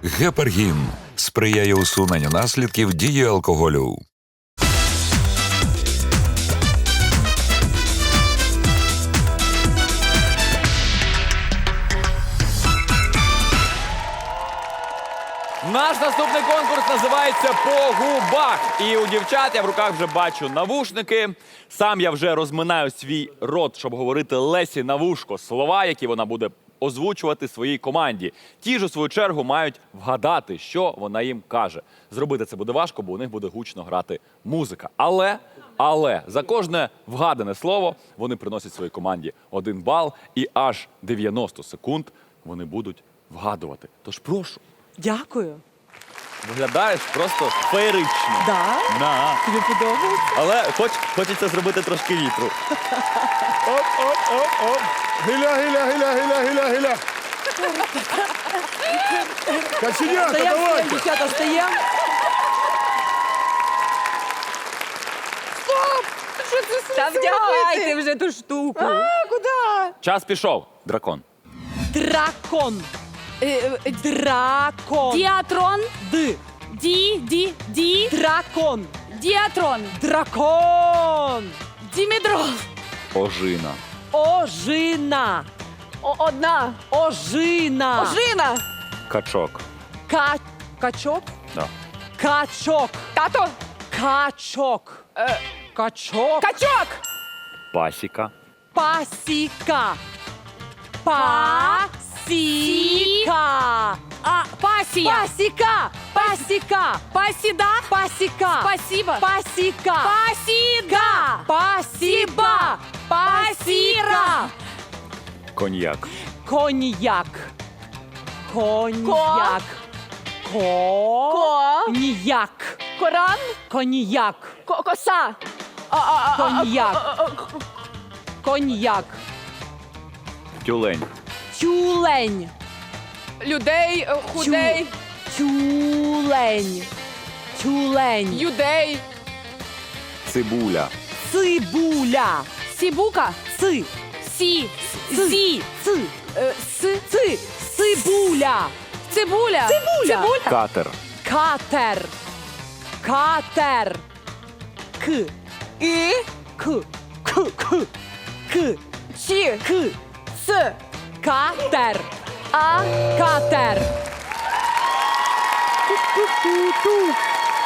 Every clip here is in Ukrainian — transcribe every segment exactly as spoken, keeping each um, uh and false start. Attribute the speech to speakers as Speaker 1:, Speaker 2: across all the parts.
Speaker 1: Гепаргін сприяє усуненню наслідків дії алкоголю.
Speaker 2: Наш наступний конкурс називається «По губах». І у дівчат я в руках вже бачу навушники. Сам я вже розминаю свій рот, щоб говорити Лесі на вушко слова, які вона буде озвучувати своїй команді. Ті ж, у свою чергу, мають вгадати, що вона їм каже. Зробити це буде важко, бо у них буде гучно грати музика. Але, але, за кожне вгадане слово вони приносять своїй команді один бал, і аж дев'яносто секунд вони будуть вгадувати. Тож прошу.
Speaker 3: Дякую.
Speaker 2: Виглядаєш просто феєрично.
Speaker 3: Да?
Speaker 2: На.
Speaker 3: Тобі подобається?
Speaker 2: Але хоч, хочеться зробити трошки вітру.
Speaker 4: Оп, оп, оп, оп. Гиля, гиля, гиля, гиля, гиля, гиля. Каченята,
Speaker 3: Стаємо, стаємо,
Speaker 4: давайте.
Speaker 3: дівчата, стаємо.
Speaker 5: Та вдягайте вже ту штуку.
Speaker 3: А, куди?
Speaker 2: Час пішов. Дракон.
Speaker 3: Дракон. Дракон.
Speaker 5: Діатрон.
Speaker 3: Д.
Speaker 5: Ді, ді, ді.
Speaker 3: Дракон.
Speaker 5: Діатрон.
Speaker 3: Дракон.
Speaker 5: Дімедрол.
Speaker 2: Ожина.
Speaker 3: Ожина.
Speaker 5: О, одна.
Speaker 3: Ожина.
Speaker 5: Ожина.
Speaker 2: Качок.
Speaker 3: Ка... Качок?
Speaker 2: Да.
Speaker 3: Качок.
Speaker 5: Тато.
Speaker 3: Качок.
Speaker 5: Е,
Speaker 3: Качок.
Speaker 5: Качок.
Speaker 2: Пасіка.
Speaker 3: Пасіка. Пасіка.
Speaker 5: А, пасія.
Speaker 3: Пасіка. Пасіка.
Speaker 5: Пасіда.
Speaker 3: Пасіка.
Speaker 5: Спасибо.
Speaker 3: Пасіка.
Speaker 5: Пасіда.
Speaker 3: Пасіба. Пасіра.
Speaker 2: Коньяк.
Speaker 3: Коньяк. Коньяк.
Speaker 5: Ко.
Speaker 3: Коньяк.
Speaker 5: Коран.
Speaker 3: Коньяк.
Speaker 5: Ко- Коса. А, а, а, а,
Speaker 3: Коньяк.
Speaker 5: а, а, а,
Speaker 3: Коньяк.
Speaker 2: Тюлень.
Speaker 3: Тюлень.
Speaker 5: Людей, е, худей,
Speaker 3: Тюлень. Тюлень.
Speaker 5: юдей,
Speaker 2: Цибуля.
Speaker 3: Цибуля.
Speaker 5: сібука,
Speaker 3: Ци.
Speaker 5: сі,
Speaker 3: Ци.
Speaker 5: зі,
Speaker 3: Ци.
Speaker 5: е, с,
Speaker 3: Ци. Цибуля.
Speaker 5: цибуля,
Speaker 3: Цибуля.
Speaker 2: Катер.
Speaker 3: Катер. Катер. К.
Speaker 5: і,
Speaker 3: К. К. К. К.
Speaker 5: чі,
Speaker 3: К.
Speaker 5: с,
Speaker 3: Катер.
Speaker 5: а,
Speaker 3: Катер. Ту-ту-ту-ту.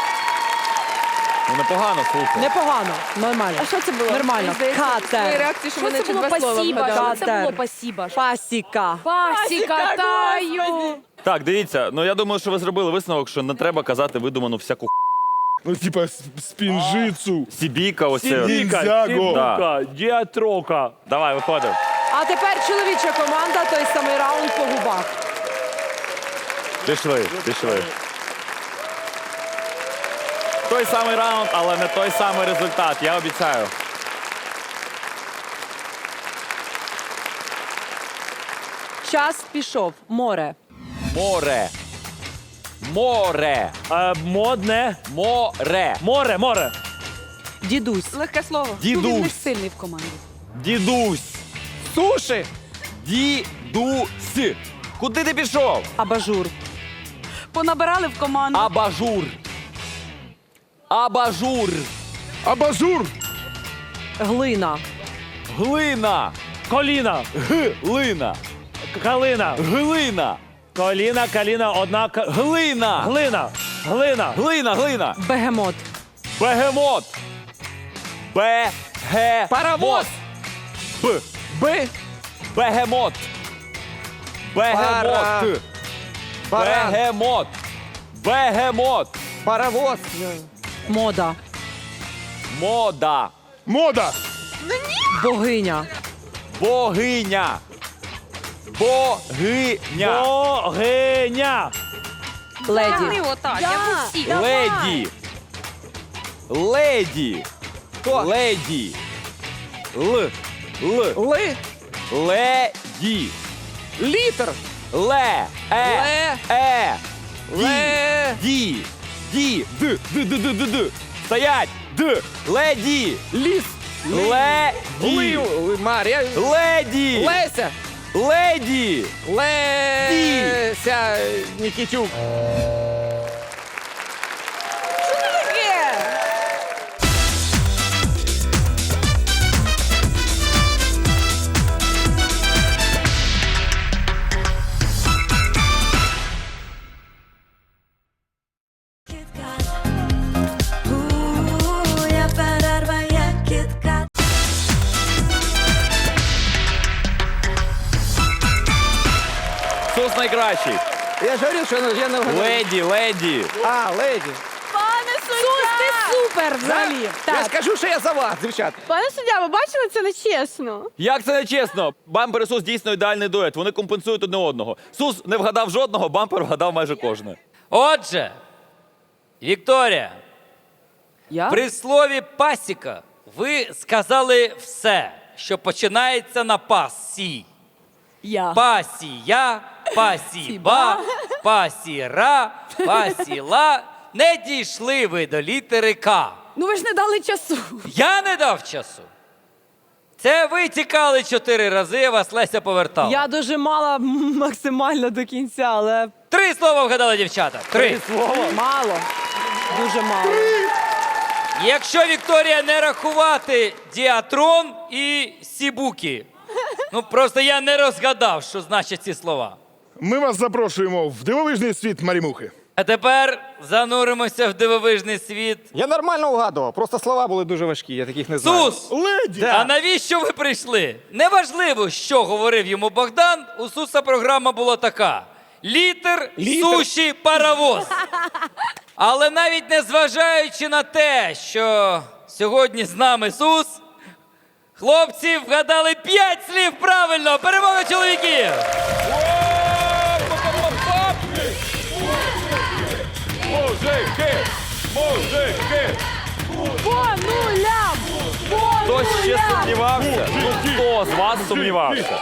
Speaker 2: Ну непогано, слухай.
Speaker 3: Непогано. Нормально.
Speaker 5: А що це було?
Speaker 3: Нормально.
Speaker 5: Мені здається,
Speaker 3: Катер.
Speaker 5: твої реакції, що
Speaker 6: Що
Speaker 5: вони
Speaker 6: це
Speaker 5: чи
Speaker 6: було
Speaker 5: два слова
Speaker 6: пасіба?
Speaker 5: вгадали.
Speaker 6: Що це було
Speaker 3: Катер.
Speaker 6: пасіба?
Speaker 3: Пасіка.
Speaker 6: Пасіка, таю.
Speaker 2: Так, дивіться, ну я думаю, що ви зробили висновок, що не треба казати видуману всяку х**.
Speaker 4: Ну, типа, с- спінжицу.
Speaker 2: Сібіка, оце.
Speaker 4: Ніндзяго.
Speaker 2: Да.
Speaker 7: Діатрока.
Speaker 2: Давай, виходимо.
Speaker 3: А тепер чоловіча команда, той самий раунд по губах.
Speaker 2: Пішли, пішли. Той самий раунд, але не той самий результат, я обіцяю.
Speaker 3: Час пішов. Море.
Speaker 2: Море. Море.
Speaker 7: Е, модне.
Speaker 2: Море.
Speaker 7: Море, море.
Speaker 3: Дідусь.
Speaker 5: Легке слово.
Speaker 2: Дідусь.
Speaker 6: Він не сильний в команді.
Speaker 2: Дідусь.
Speaker 5: Суші.
Speaker 2: Дідусь. Куди ти пішов?
Speaker 3: Абажур.
Speaker 6: Понабирали в команду.
Speaker 2: Абажур. Абажур.
Speaker 4: Абажур.
Speaker 3: Глина.
Speaker 2: Глина.
Speaker 7: Коліна.
Speaker 2: Глина.
Speaker 7: Калина.
Speaker 2: Глина.
Speaker 7: Коліна, каліна, одна. ка-
Speaker 2: Глина.
Speaker 7: Глина. Глина.
Speaker 2: Глина, глина.
Speaker 3: Бегемот.
Speaker 2: Бегемот. Бегемот.
Speaker 5: Паровоз.
Speaker 2: Б.
Speaker 5: Б.
Speaker 2: Бегемот.
Speaker 5: Пара.
Speaker 2: Бегемот.
Speaker 5: Баран.
Speaker 2: Бегемот. Бегемот.
Speaker 5: Паровоз.
Speaker 3: Мода.
Speaker 2: Мода.
Speaker 4: Мода.
Speaker 3: Богиня.
Speaker 2: Богиня. Богиня.
Speaker 7: Богиня.
Speaker 3: Леді.
Speaker 6: отак, як усі.
Speaker 2: Леді. Леді.
Speaker 5: Хто?
Speaker 2: Леді. Л. Л.
Speaker 5: Ли.
Speaker 2: Леді.
Speaker 5: Літр.
Speaker 2: Ле. Е.
Speaker 5: Ле.
Speaker 2: Е.
Speaker 5: Ле.
Speaker 2: Ді. Ді. Д. Д. Д. Д. Д. Д. Стоять. Д. Леді.
Speaker 5: Ліс.
Speaker 2: Леді.
Speaker 5: Ли. Марія.
Speaker 2: Леді.
Speaker 5: Леся.
Speaker 2: Леді!
Speaker 4: Леся Нікітюк.
Speaker 2: Сус найкращий.
Speaker 4: Я ж говорив, що я не вгадав.
Speaker 2: Леді, леді.
Speaker 4: А, леді.
Speaker 6: Сус, ти супер взагалі.
Speaker 4: Я
Speaker 6: Так.
Speaker 4: скажу, що я за вас, дівчат.
Speaker 5: Пане суддя, ви бачили, це не чесно.
Speaker 2: Як це не чесно? Бампер і Сус дійсно ідеальний дует. Вони компенсують одне одного. Сус не вгадав жодного, бампер вгадав майже кожне.
Speaker 8: Отже, Вікторія,
Speaker 3: Я?
Speaker 8: при слові пасіка ви сказали все, що починається на пасі.
Speaker 6: Я.
Speaker 8: Пасія, пасіба, пасіра, пасіла. Не дійшли ви до літери К.
Speaker 6: Ну ви ж не дали часу.
Speaker 8: Я не дав часу. Це ви тікали чотири рази, вас Леся повертала.
Speaker 3: Я дожимала м, максимально до кінця, але
Speaker 8: Три слова вгадали дівчата. Три.
Speaker 3: мало. Дуже мало.
Speaker 8: Якщо, Вікторія, не рахувати діатрон і сібуки. Ну, просто я не розгадав, що значать ці слова.
Speaker 4: Ми вас запрошуємо в дивовижний світ Марімухи.
Speaker 8: А тепер зануримося в дивовижний світ.
Speaker 9: Я нормально вгадував, просто слова були дуже важкі, я таких не знаю.
Speaker 8: Сус!
Speaker 4: Леді!
Speaker 8: А навіщо ви прийшли? Неважливо, що говорив йому Богдан, у Суса програма була така. Літер, суші, паровоз. Але навіть не зважаючи на те, що сьогодні з нами Сус, хлопці вгадали п'ять слів правильно. Перемога чоловіків!
Speaker 2: Мужики! Мужики!
Speaker 3: По нулям! По
Speaker 2: Хтось ще
Speaker 3: нулям!
Speaker 2: сумнівався? Ну, хто з вас сумнівався?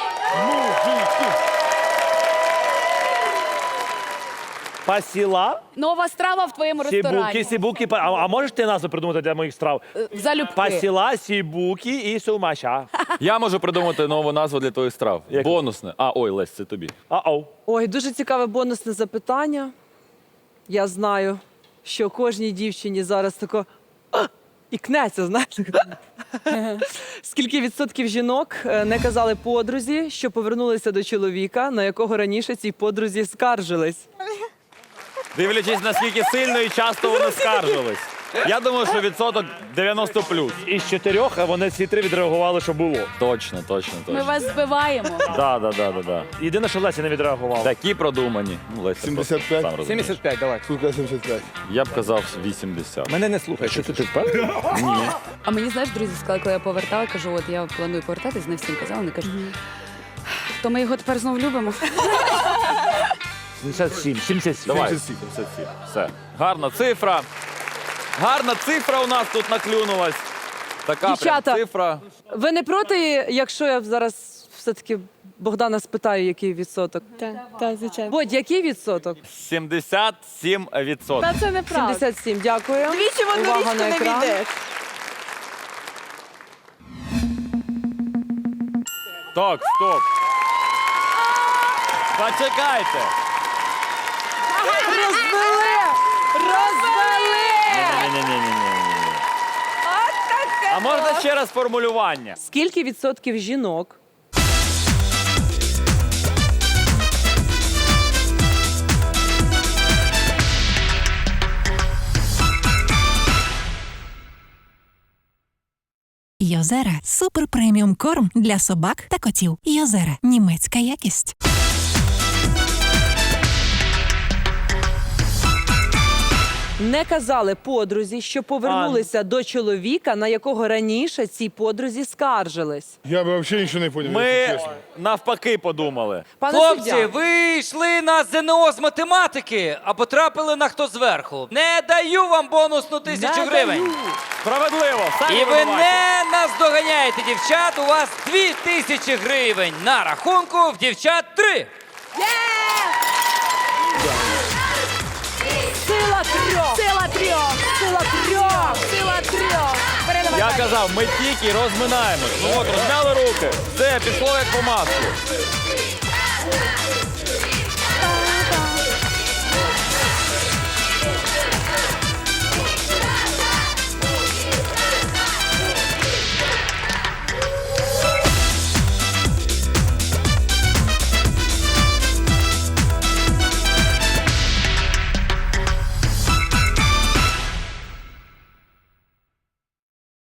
Speaker 7: Пасіла,
Speaker 6: Нова страва в твоєму ресторані.
Speaker 7: сібуки, сібуки. па- А, а можеш ти назву придумати для моїх страв?
Speaker 6: Залюбки.
Speaker 7: Пасіла, сібуки і сумаша.
Speaker 2: Я можу придумати нову назву для твоїх страв.
Speaker 7: Яку?
Speaker 2: Бонусне. А, ой, Лесь, це тобі.
Speaker 7: А-оу.
Speaker 3: Ой, дуже цікаве бонусне запитання. Я знаю, що кожній дівчині зараз тако «А!» і кнеться, знаєте. Скільки відсотків жінок е, не казали подрузі, що повернулися до чоловіка, на якого раніше цій подрузі скаржились?
Speaker 2: Дивлячись, наскільки сильно і часто вони скаржились. Я думаю, що відсоток дев'яносто плюс.
Speaker 7: Із чотирьох а вони всі три відреагували, що було.
Speaker 2: Точно, точно,
Speaker 6: Ми
Speaker 2: точно.
Speaker 6: вас збиваємо.
Speaker 2: Да, да, да, да, да.
Speaker 7: Єдине, що Леся не відреагувала.
Speaker 2: Такі продумані. Ну, Леся,
Speaker 4: сімдесят п'ять.
Speaker 2: сам розумієш.
Speaker 9: сімдесят п'ять, давай.
Speaker 4: Скільки сімдесят п'ять?
Speaker 2: Я б казав вісімдесят.
Speaker 9: Мене не слухай.
Speaker 7: Що ти, ти впевнений?
Speaker 2: Ні.
Speaker 5: А мені, знаєш, друзі сказали, коли я повертала, кажу, от я планую повертатись, не всім казала, вони кажуть, то ми його тепер знов любимо.
Speaker 7: сімдесят сім, сімдесят сім.
Speaker 2: Давай, сімдесят сім. Все. Гарна цифра. Гарна цифра у нас тут наклюнулась. Така
Speaker 3: Дівчата.
Speaker 2: прям цифра.
Speaker 3: Ви не проти, якщо я зараз все-таки Богдана спитаю, який відсоток?
Speaker 5: Так, так, звичайно.
Speaker 3: Бодь, який відсоток?
Speaker 2: сімдесят сім відсотків.
Speaker 5: Та це неправда.
Speaker 3: сімдесят сім, дякую.
Speaker 5: Двічі в одну
Speaker 3: Увага
Speaker 5: річку
Speaker 3: на
Speaker 5: не
Speaker 3: екран.
Speaker 5: війдеш.
Speaker 2: Так, стоп. Почекайте.
Speaker 3: Розвели! Розвели!
Speaker 2: Ні-ні-ні-ні-ні. А можна ще раз формулювання?
Speaker 3: Скільки відсотків жінок
Speaker 10: Йозера – супер преміум корм для собак та котів. Йозера – німецька якість.
Speaker 3: не казали подрузі, що повернулися до чоловіка, на якого раніше ці подрузі скаржились?
Speaker 4: Я би взагалі нічого не поняв,
Speaker 2: Ми
Speaker 4: якщо чесно.
Speaker 2: навпаки подумали.
Speaker 3: Пане
Speaker 8: Хлопці,
Speaker 3: суддя,
Speaker 8: ви йшли на ЗНО з математики, а потрапили на хто зверху. Не даю вам бонусну тисячу
Speaker 3: не
Speaker 8: гривень.
Speaker 3: даю.
Speaker 2: Справедливо. самі
Speaker 8: І ви
Speaker 2: винуваті.
Speaker 8: не наздоганяєте дівчат. У вас дві тисячі гривень на рахунку, в дівчат три.
Speaker 3: Сила трьох! Сила трьох! Сила трьох! Сила трьох!
Speaker 2: Я казав, ми тільки розминаємось. Ну от, розмяли руки. Все, пішло як по маслу.
Speaker 11: Ха!